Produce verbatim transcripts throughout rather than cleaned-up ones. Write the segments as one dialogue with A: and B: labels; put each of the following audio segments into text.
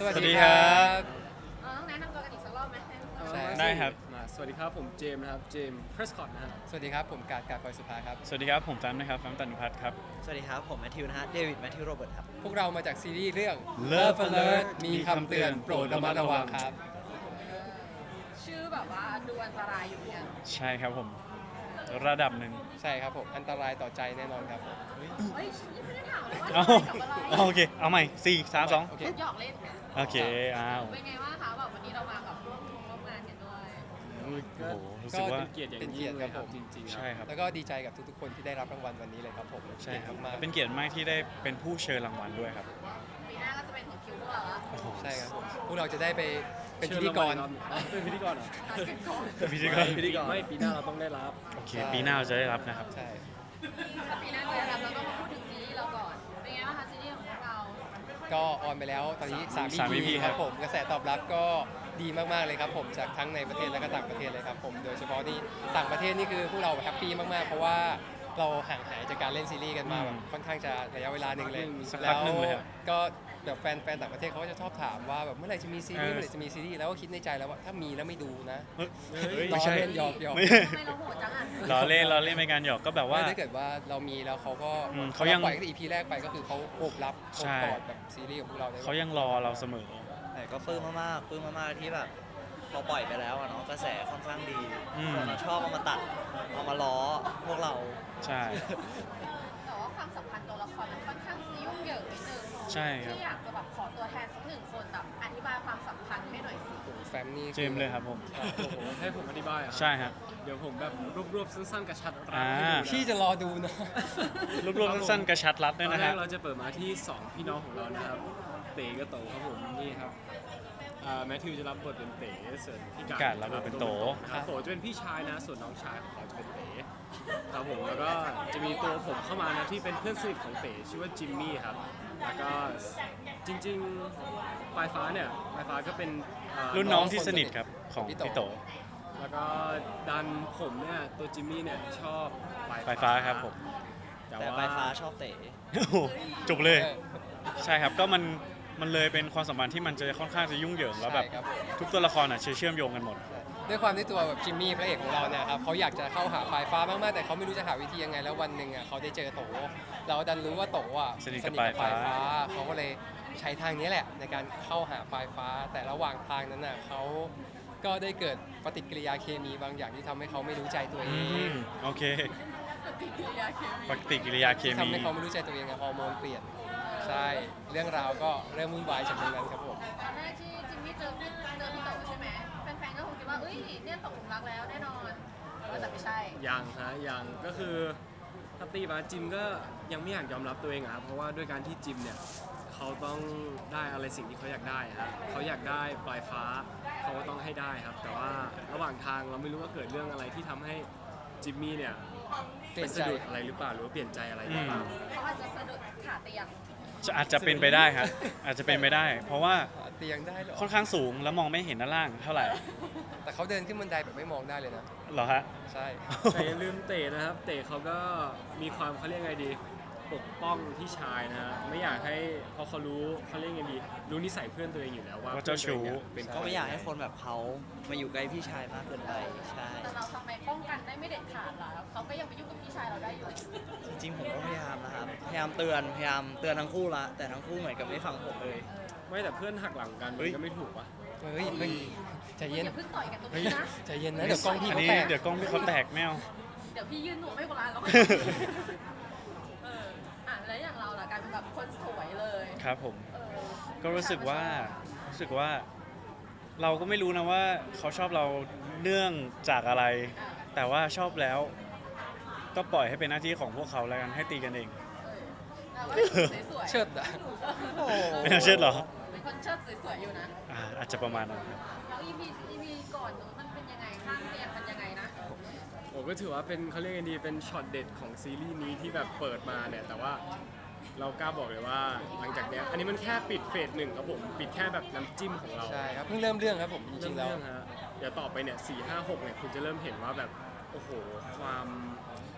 A: วัสดีครับ
B: ต้องแนะนำตัวกันอีกสักรอบไหม
A: ใช่
C: ได้ครับ
A: มาสวัสดีครับผมเจมส์นะครับเจมส์เพรสคอตนะฮะ
C: สวัสดีครับผมการการปอยสุภาครับ
D: สวัสดีครับผมแฟมนะครับแฟมตันพัฒน์ครับ
E: สวัสดีครับ ผมแมทธิวนะฮะ เดวิดแมทธิวโรเบิร์ตครับ
C: พวกเรามาจากซีรีส์เรื่อง
D: Love Alert
C: มีคำเตือนโปรดระมัดระวังครับ
B: ชื่อแบบว่าดูอันตรายอยู่เนี่ย
D: ใช่ครับผม ระดับหนึ่ง
C: ใช่ครับผมอันตรายต่อใจแน่นอนครับผม
B: เฮ้ยยังไม่ได้ถามเลยว่า
D: เอา
B: กับอะไร
D: เอาโอเค เอาใหม่สี่สามสอง
C: โอเค
B: หยอกเล่นกัน
D: โอเค อ้าว
B: เป็นไงบ้างคะแบบวันนี้เรามากับร่วมร่วมงานกันด้วย
D: โอ้โหรู้
C: ก็
D: สึกว่า
A: เป็นเกียรติอย่างยิ่งเลยครับจริงๆ
D: ใช่ครับ
C: แล้วก็ดีใจกับทุกๆคนที่ได้รับรางวัลวันนี้เลยครับผม
D: ใช่ครับ
C: มาก
D: เป็นเกียรติมากที่ได้เป็นผู้เชิญรางวัลด้วยครับ
B: ปีหน้าก็จะเป็นถึงคิวพวกเราละ
D: โอ้โห
C: ใช่ครับผมพวกเราจะได้ไปเป็นพิธีกร
A: อ๋อเป็นพิธีกรเหรอ
B: ตัดกันก่อน
D: พิธีกร
A: พิธีกรไม่ปีหน้าเราต้องได้รับ
D: โอเค ปีหน้าเราจะได้รับนะครับ
C: ใช่
B: ถ้าปีหน้าจะรับเราก็มาพูดถึงซีรีส์เราก่อน เป็นไงบ้างคะซีรีส์ของพวกเรา
C: ก็ออนไปแล้วตอนนี้สาม
D: สาม
C: อี
D: อี
C: พี
D: พี
C: ค
D: ครั
C: รับบ ผมกระแสตอบรับก็ดีมากๆเลยครับผมจากทั้งในประเทศและก็ต่างประเทศเลยครับผมโดยเฉพาะที่ต่างประเทศนี่คือพวกเราแฮปปี้มากๆ เพราะว่าเราห่างหายจากการเล่นซีรีส์กันมาแบบค่อนข้างจะระยะเวลาหนึ่งเลย
D: สักพั
C: แล้
D: ก
C: ว
D: หนึ่งเลยครับ
C: ก็แบบแฟนแฟนต่างประเทศเขาก็จะชอบถามว่าแบบเมื่อไหร่จะมีซีรีส์
D: เออ
C: เมื่อไหร่จะมีซีรีส์แล้วก็คิดในใจแล้วว่าถ้ามีแล้วไม่ดูนะ
D: เฮ้ย
A: เฮ้ย
D: ไม่ใช่
C: ล้อเล่นหยอกหยอก
D: ไม่
B: ทำไมเราโหดจังอ่ะ
D: ล้อเล่นล้อเล่นเป็นการหยอกก็แบบว่า
C: ไม่ถ้าเกิดว่าเรามีแล้วเขาก็
D: อืม
C: เขา
D: เขายัง
C: ปล่อยตั้งแต่ อี พี แรกไปก็คือเขาโอบรับโอ
D: ใช่
C: บกอดแบบซีรีส์ของพวกเราได้
D: เขายังรอเราเสมอ
E: แต่ก็ปลื้มมากๆปลื้มมากๆที่แบบพอปล่อยไปแล้วอะเนาะกระแสค่อนข้างดี
D: อืม
E: คนเราชอบเอามาตัด เอามาล้อพวกเรา
D: ใช่
B: แต่ว่าความสัมพันธ์ตัวละครมันค่อนข้างยุ่งเหยิงนิดนึง
D: ใช่ครับ
B: ที่อยากจะแบบขอตัวแทนสักหนึ่งคนแบบอธิบายความสัมพันธ์ให้หน่อยสิ
C: แฟมนี่
D: เจมส์เลยครับผม
A: โอ้โหให้ผมอธิบายเหรอ่ะ
D: ใช่ฮะ
A: เดี๋ยวผมแบบรวบๆสั้นๆกระชับรัด
D: อ่า
A: ให้ดูนะ
C: พี่จะรอดูนะ
D: รวบๆสั้นๆกระชัดรัด
A: ต
D: ด้วย
A: อน
D: นะ
A: แร
D: ครั
A: ก
D: บ
A: เราจะเปิดมาที่สองพี่น้องของเรานะครับเต๋กับโตครับผมนี่ครับอ่าแมทธิวจะรับบทเป็นเต๋ส่วนพี่
D: พี่
A: กา
D: การ รับบทเป็นโต
A: นะครับโตจะเป็นพี่ชายนะส่วนน้องชายของเขาจะเป็นเต๋ครับผมแล้วก็จะมีตัวผมเข้ามานะที่เป็นเพื่อนสนิทของเต๋ชื่อว่าจิมมี่ครับแล้วก็จริงๆปลายฟ้าเนี่ยปลายฟ้าก็เป็นอ่า
D: รุ่นน้องที่สนิทครับของ
C: พี่โต
D: พี่โต
A: แล้วก็ดันผมเนี่ยตัวจิมมี่เนี่ยชอบปลาย
D: ปลายฟ้าครับผม
A: แต่
E: แต่
A: ว่า
E: ปลายฟ้าชอบเต๋
D: โอ้โหจบเลย ใช่ครับก็มันมันเลยเป็นความสัมพันธ์ที่มันจะค่อนข้างจะยุ่งเหยิงแล้วแบบ
C: ใช่ครับผม
D: ทุกตัวละครอ่ะเชื่อมโยงกันหมด
C: ด้วยความที่ตัวแบบจิมมี่พระเอกของเราเนี่ยครับเขาอยากจะเข้าหาปลายฟ้ามากๆแต่เขาไม่รู้จะหาวิธียังไงแล้ววันหนึ่งอ่ะเขาได้เจอโตเราดันรู้ว่าโตอ่ะ
D: สนิทกับปลายฟ้า
C: เขาก็เลยใช้ทางนี้แหละในการเข้าหาปลายฟ้า แต่ระหว่างทางนั้นน่ะเขาก็ได้เกิดปฏิกิริยาเคมีบางอย่างที่ทำให้เขาไม่รู้ใจตัวเอ
D: อื
C: ง
D: มโอเค
B: ปฏิกิริยาเคมี
D: ปฏิกิริยาเค
C: ที่
D: มี
C: ทำให้เขาไม่รู้ใจตัวเองอะฮอร์โมนเปลี่ยนใช่เรื่องราวก็เริ่มวุ่นวายจากตรงนั้นครับผม
B: ตอนแรกที่จิมมี่เจอพี่เจอพี่โตใช่ไหมแฟนๆก็คงคิดว่าเอ้ยเนี่ยตกหลุมรักแล้วแน่นอนแต่ไม่ใช่
A: ยังฮะยังก็คือถ้าตีมาจิมก็ยังไม่อยากยอมรับตัวเองอะครับเพราะว่าด้วยการที่จิมเนี่ยเขาต้องได้อะไรสิ่งที่เขาอยากได้ฮะเขาอยากได้ปลายฟ้าเขาก็ต้องให้ได้ครับ แต่ว่าระหว่างทางเราไม่รู้ว่าเกิดเรื่องอะไรที่ทำให้จิมมี่เนี่ย
C: เปลี่ยน
A: ไป
C: ใจ
A: สะดุดอะไรหรือเปล่าหรือว่าเปลี่ยนใจอะไรหรือเปล่า
B: เขาอาจจะสะดุดขาเตียง
D: จะอาจจะเป็นไปได้ครับอาจจะเป็นไปได้ เพราะว่า
C: เตียงได้เหรอ
D: ค่อนข้างสูงแล้วมองไม่เห็นด้านล่างเท่าไหร่
C: แต่เขาเดินขึ้นบันไดแบบไม่มองได้เลยนะ
D: เหรอฮะ
C: ใช่
A: แต่อย่าลืมเต๋นะครับ เต๋เขาก็มีความเขาเรียกไงดี ปกป้องพี่ชายนะฮะไม่อยากให้พอเขารู้เขาเรียกไงดี รู้นิสัยเพื่อนตัวเองอยู่แล้วว่า
D: ว่าเจ้าชู้
A: พื่อนตัวเองเป็น
E: ก็ไม่อยากให้คนแบบเขามาอยู่ใกล้พี่ชายมากเกินไป ใช่
B: แต่เราทำไมป้องกันได้ไม่เด็ดขาดล่ะเขาก็ยังไปยุ่งกับพี่ชายเราได้อยู่
E: จริงๆผมก็พยายามนะครับ พยายามเตือน พยายามเตือนทั้งคู่ละ แต่ทั้งคู่เหมือนกับไม่ฟังผมเลย
A: ไม่แต่เพื่อนหักหลังกัน
E: เฮ้ย
A: ก็ไม่ถูกปะ
C: เฮ้ยเฮ้ยใจเย็น
B: อย่าเพิ่งต่อยกันตรง
C: เฮ้ย
B: นี้นะ
C: ใจเย็นนะเดี๋ยวกล้องพี่
D: อัน
C: เขา
D: นี้
C: แตก
D: เดี๋ยวกล้องพี่เขาแตกไม่เอา
B: เดี๋ยวพี่ยืนหนูไม่โบราณหรอกเอออ่ะแล้วอย่างเราล่ะกลายเป็นแบบคนสวยเลย
D: ครับผม
B: เออ
D: ก็รู้สึกว่ารู้สึกว่า เราก็ไม่รู้นะว่าเขาชอบเราเนื่องจากอะไร แต่ว่าชอบแล้ว ก็ปล่อยให้เป็นหน้าที่ของพวกเขาแล้วกันให้ตีกันเอง
B: เออเราก็สวยๆ
C: เชิดอ่ะ
B: โอ้โห
D: ไม่น่าเชื่อเหรอ
B: เป็นคนเชิดสวยๆอยู่นะ
D: อ่าอาจจะประมาณนั้นครับ
B: แล้ว อี พี อี พี ก่อนนู้นมันเป็นยังไงข้างเตียงมันยังไงนะ
A: ผมก็ถือว่าเป็นเขาเรียกไงดีเป็นช็อตเด็ดของซีรีส์นี้ที่แบบเปิดมาเนี่ยแต่ว่าเรากล้าบอกเลยว่าหลังจากเนี้ยอันนี้มันแค่ปิดเฟสหนึ่งครับผมปิดแค่แบบน้ำจิ้มของเรา
C: ใช่ครับเพิ่งเริ่มเรื่องครับผมจริงๆแล้ว
A: เรื่องฮะเดี๋ยวต่อไปเนี่ยสี่ห้าหกเนี่ยคุณจะเริ่มเห็นว่าแบบโอ้โหความ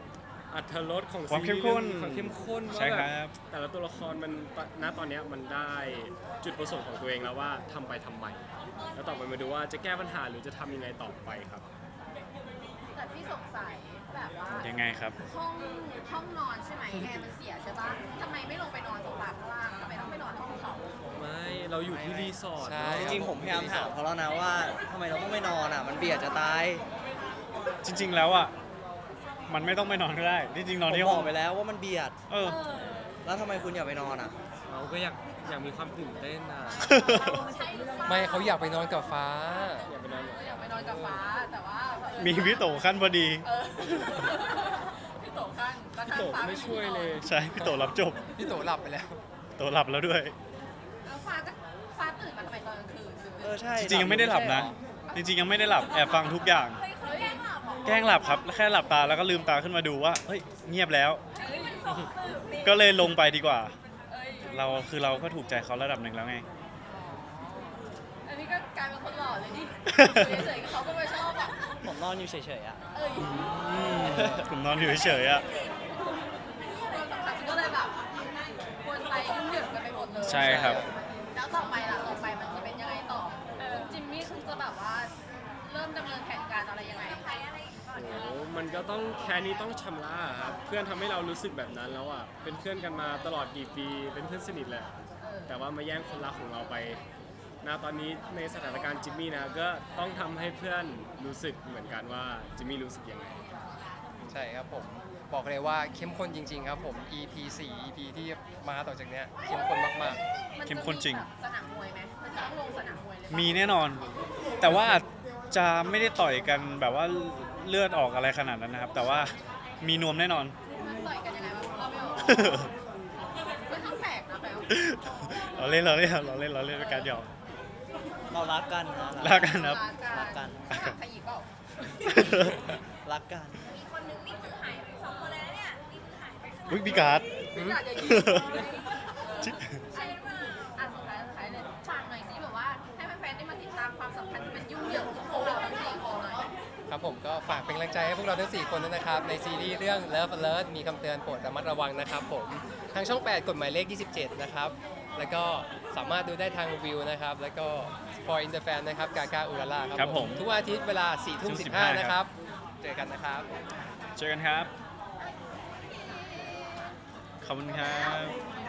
A: อรรถรสของ
D: ความ
A: ซี
D: เข้
A: รี
D: ม
A: ส์
D: ข้น
A: เรื่องมีความเข้มข้น
D: ใช่
A: ว่า
D: ค
A: แบ
D: รับ
A: บแต่ละตัวละครมันณตอนเนี้ยมันได้จุดประสงค์ของตัวเองแล้วว่าทำไปทำไมแล้วต่อไปมาดูว่าจะแก้ปัญหาหรือจะทำยังไงต่อไปครับ
B: แต่พี่สงสัยแบบว่า
D: ยังไงครับ
B: ห้องห้องนอนใช่ไหมแอร์มันเสียใช่ปะทำไมไม่ลงไปนอนโซฟาข้างล่างทำไมต้องไปนอนห้องเขา
A: ไม่เราอยู่ที่รีสอร์ท
C: ใช่
A: เนอะ
E: จริงๆผมพยายามถามเขาแล้วนะว่าทำไมเราต้องไม่นอนอ่ะ มันเบียดจะตาย
D: จริง ๆ แล้วอ่ะมันไม่ต้องไปนอนก็ได้จริงๆน
E: ผ
D: อน
E: ม
D: ที่
E: บ
D: ห้อ
E: อง กไปแล้วว่ามันเบียด
D: เออ
E: แล้วทำไมคุณอยากไปนอนอ่ะ
A: เราก็อยากอยากมีความตื่นเต้นอ่ะ
C: ไม่เขาอยากไปนอนกับฟ้า
A: อยากไปนอนกับ
B: อยากไปนอนกับฟ้าแต่ว่าเผอิญ
D: มีพี่โตขั้นพอดี
B: เออพี่โตข้างแล้ว
A: พี่
B: ข้าง
A: โต
B: ฟ้า
A: ไม่ช่วยเลย
D: ใช่พี่โตรับจบ
C: พี่โตหลับไปแล้ว
D: โตหลับแล้วด้วย
B: แล้วฟ้าก็ฟ้าตื่นมาทำไมตอนกลางคืน
E: เออใช่
D: จริงๆยังไม่ได้หลับนะ จริงๆยังไม่ได้หลับแอบฟังทุกอย่าง
B: เฮ้ยเขาแกล้งหลับเหรอ
D: แกล้งหลับครับแค่หลับตาแล้วก็ลืมตาขึ้นมาดูว่าเฮ้ยเงียบแล้ว ก็เลยลงไปดีกว่า
B: เอ้ย
D: เราคือเราก็ถูกใจเขาระดับหนึ่งแล้วไง
B: อันนี้ก็กลายเป็นคนหล่อเลยดิเฉยๆเขาก็ไม่ชอบอ่ะ
E: ผมนอนอยู่เฉยๆอ่ะ
B: เอ้ย
D: ผมนอนอยู่เฉยๆอ่ะ
B: ความสัมพันธ์ก็เลยแบบวนไปยุ่งเหยิงกันไปหมดเลย
D: ใช่ครับ
B: แล้วต่อไปล่ะต่อไปมันจะเป็นยังไงต่อคุณจิมมี่คุณจะแบบว่าเริ่มดำเนินแผนการอะไรยังไง
A: โอ้โหมันก็ต้องแค่นี้ต้องชำระอะครับเพื่อนทำให้เรารู้สึกแบบนั้นแล้วอ่ะเป็นเพื่อนกันมาตลอดกี่ปีเป็นเพื่อนสนิทแหละ
B: เออ
A: แต่ว่ามาแย่งคนรักของเราไปณตอนนี้ในสถานการณ์จิมมี่นะก็ต้องทำให้เพื่อนรู้สึกเหมือนกันว่าจิมมี่รู้สึกยังไง
C: ใช่ครับผม บอกเลยว่าเข้มข้นจริง ๆ ครับผม อี พี สี่ อี พี ที่มาต่อจากเนี้ยเข้มข้นมาก
B: มัน
D: เข้
B: จะ
D: มข้นจริง
B: แบบสนามมวยไหมมันจะต้องลงสนามมวยเลยปะ
D: มีแน่นอน แต่ว่าอาจจะไม่ได้ต่อยกันแบบว่าเลือดออกอะไรขนาดนั้นนะครับ แต่ว่ามีนวมแน่นอน
B: มันต่อยกันยังไงวะเราไม่ออกมันต้องแปลกนะแปลว่า
D: เราเล่นเราเล่นเราเล่นเราเล่นเป็นการหยอก
E: เรารักกันนะ
D: รักกันครับ
E: รักกัน
B: ถามใครอีกเปล่า
E: รักกัน
B: มีคนนึงนี่คือหายไปสองคนเลยนะเนี่ยนี่คือหายไป
D: อุ้ยพี่การ์ด
B: ไม่อยากจะยิงใช่เปล่าอ่ะสุดท้ายสุดท้ายเลยฝากหน่อยสิแบบว่าให้แฟนๆได้มาติดตามความสัมพันธ์ที่มันยุ่งเหยิงของพวกเราทั้งสี่คนหน่อย
C: ๆ ครับผมก็ฝากเป็นกำลังใจให้พวกเราทั้ง สี่ คนด้วยนะครับ ในซีรีส์เรื่อง Love Alert มีคำเตือนโปรดระมัดระวังนะครับผม ทางช่อง แปด กฎหมายเลข ยี่สิบเจ็ด นะครับ แล้วก็สามารถดูได้ทางวิวนะครับ แล้วก็ For in the Fan นะครับ กากาอุราล่า
D: ครั
C: ครับ
D: บ
C: ผ
D: ผม ม
C: ทุกวันอาทิตย์เวลา สี่ทุ่มสิบห้า นะครับ เจอกันนะครับ
D: เจอกันครับ ขอบคุณครับ